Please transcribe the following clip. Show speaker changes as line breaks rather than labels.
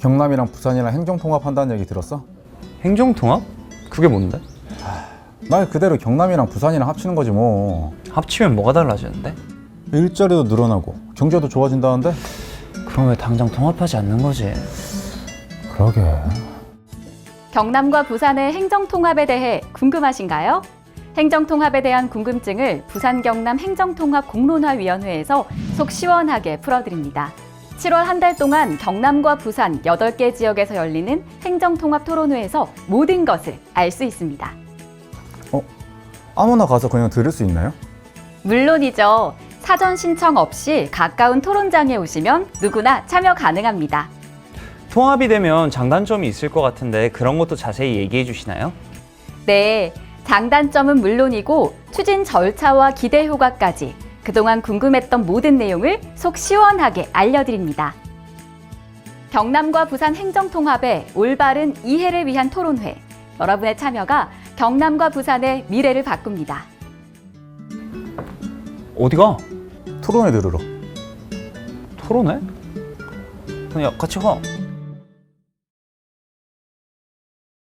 경남이랑 부산이랑 행정통합한다는 얘기 들었어?
행정통합? 그게 뭔데?
말 그대로 경남이랑 부산이랑 합치는 거지 뭐.
합치면 뭐가 달라지는데?
일자리도 늘어나고 경제도 좋아진다는데?
그럼 왜 당장 통합하지 않는 거지?
그러게.
경남과 부산의 행정통합에 대해 궁금하신가요? 행정통합에 대한 궁금증을 부산-경남 행정통합공론화위원회에서 속 시원하게 풀어드립니다. 7월 한 달 동안 경남과 부산 8개 지역에서 열리는 행정통합 토론회에서 모든 것을 알 수 있습니다.
아무나 가서 그냥 들을 수 있나요?
물론이죠. 사전 신청 없이 가까운 토론장에 오시면 누구나 참여 가능합니다.
통합이 되면 장단점이 있을 것 같은데 그런 것도 자세히 얘기해 주시나요?
네, 장단점은 물론이고 추진 절차와 기대 효과까지 그동안 궁금했던 모든 내용을 속 시원하게 알려드립니다. 경남과 부산 행정통합의 올바른 이해를 위한 토론회. 여러분의 참여가 경남과 부산의 미래를 바꿉니다.
어디가?
토론회 들으러.
토론회? 그냥 같이 가.